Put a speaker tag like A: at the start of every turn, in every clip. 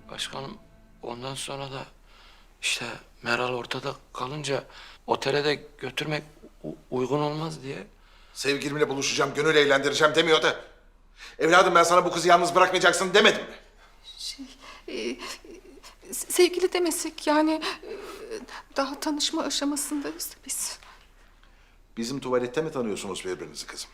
A: Başkanım ondan sonra da işte Meral ortada kalınca otele de götürmek uygun olmaz diye.
B: Sevgilimle buluşacağım, gönül eğlendireceğim demiyor da. Evladım ben sana bu kızı yalnız bırakmayacaksın demedim mi?
C: Sevgili demesek yani daha tanışma aşamasındayız da biz.
B: Bizim tuvalette mi tanıyorsunuz birbirinizi kızım?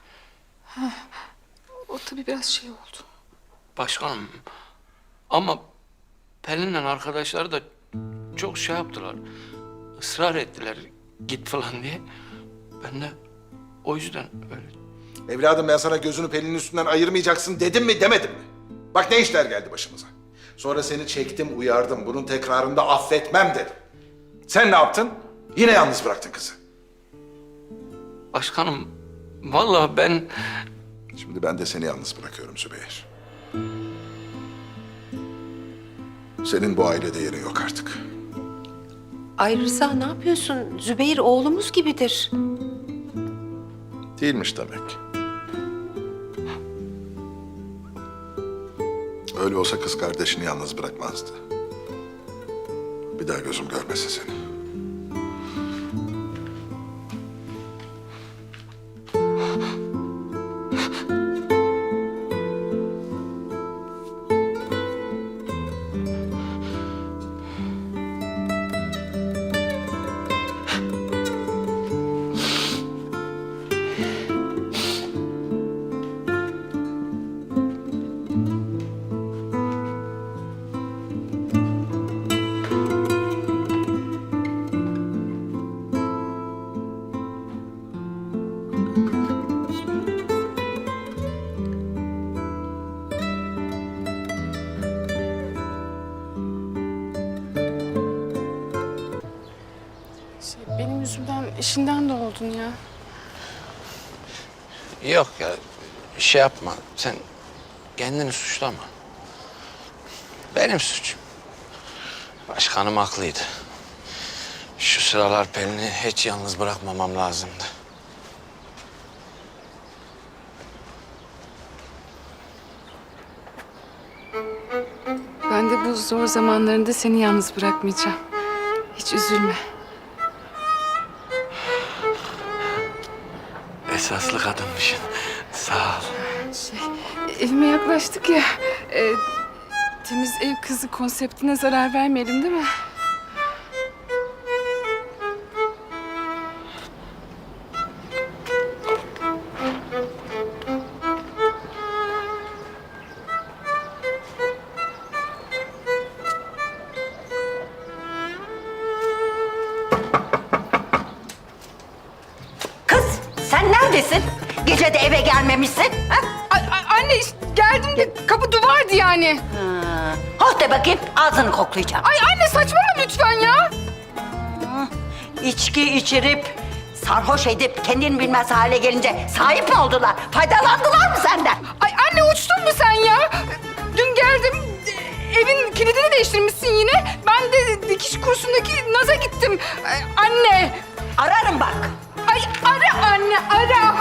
C: O tabii biraz şey oldu.
A: Başkanım ama Pelin'le arkadaşları da çok şey yaptılar. Israr ettiler git falan diye. Ben de o yüzden öyle.
B: Evladım ben sana gözünü Pelin'in üstünden ayırmayacaksın dedim mi demedim mi? Bak ne işler geldi başımıza. Sonra seni çektim, uyardım. Bunun tekrarında affetmem dedim. Sen ne yaptın? Yine yalnız bıraktın kızı.
A: Başkanım vallahi ben
B: Şimdi ben de seni yalnız bırakıyorum Zübeyir. Senin bu ailede yerin yok artık.
D: Ay Rıza ne yapıyorsun? Zübeyir oğlumuz gibidir.
B: Değilmiş demek. Öyle olsa kız kardeşini yalnız bırakmazdı. Bir daha gözüm görmesin seni.
C: Benim yüzümden işinden de oldun ya.
A: yok ya şey yapma sen kendini suçlama. Benim suçum. Başkanım haklıydı. Şu sıralar Pelin'i hiç yalnız bırakmamam lazımdı.
C: Ben de bu zor zamanlarında seni yalnız bırakmayacağım. Hiç üzülme.
A: Esaslı kadınmışsın. Sağ ol.
C: Evime yaklaştık ya. Temiz ev kızı konseptine zarar vermeyelim değil mi?
E: Kız sen neredesin? Gece de eve gelmemişsin. Ha?
C: Anne geldim de kapı duvardı yani.
E: Hoh de bakayım ağzını koklayacağım.
C: Ay anne saçmalama lütfen ya.
E: İçki içirip sarhoş edip kendini bilmez hale gelince sahip mi oldular? Faydalandılar mı senden?
C: Ay anne uçtun mu sen ya? Dün geldim evin kilidini değiştirmişsin yine. Ben de dikiş kursundaki Naz'a gittim. Anne.
E: Ararım bak.
C: Ay ara anne ara.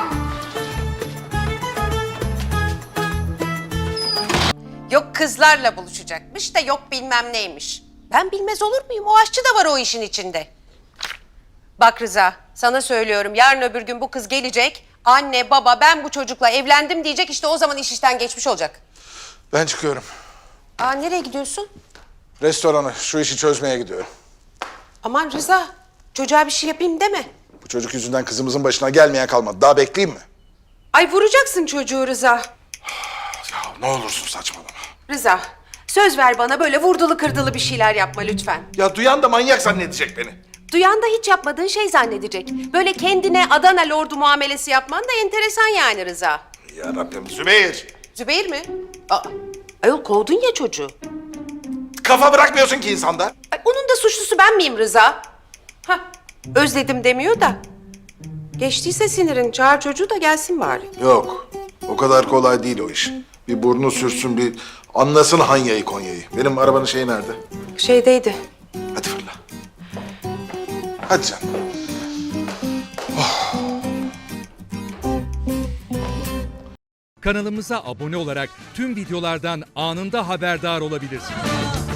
D: Yok kızlarla buluşacakmış da yok bilmem neymiş. Ben bilmez olur muyum? O aşçı da var o işin içinde. Bak Rıza, sana söylüyorum yarın öbür gün bu kız gelecek. Anne, baba ben bu çocukla evlendim diyecek, işte o zaman iş işten geçmiş olacak.
B: Ben çıkıyorum.
D: Aa nereye gidiyorsun?
B: Restorana şu işi çözmeye gidiyorum.
D: Aman Rıza, çocuğa bir şey yapayım deme.
B: Bu çocuk yüzünden kızımızın başına gelmeyen kalmadı. Daha bekleyeyim mi?
D: Ay vuracaksın çocuğu Rıza.
B: Ya ne olursun saçmalama.
D: Rıza, söz ver bana böyle vurdulu kırdılı bir şeyler yapma lütfen.
B: Ya duyan da manyak zannedecek beni.
D: Duyan da hiç yapmadığın şey zannedecek. Böyle kendine Adana lordu muamelesi yapman da enteresan yani Rıza.
B: Ya Rabbim Zübeyir.
D: Zübeyir mi? Aa, ayol kovdun ya çocuğu.
B: Kafa bırakmıyorsun ki insanda.
D: Ay, onun da suçlusu ben miyim Rıza? Hah, özledim demiyor da. Geçtiyse sinirin, çağır çocuğu da gelsin bari.
B: Yok. O kadar kolay değil o iş. Bir burnu sürsün, bir anlasın Hanya'yı Konya'yı. Benim arabanın şeyi nerede?
D: Şeydeydi.
B: Hadi fırla. Hadi canım.
F: Kanalımıza abone olarak tüm videolardan anında haberdar olabilirsiniz.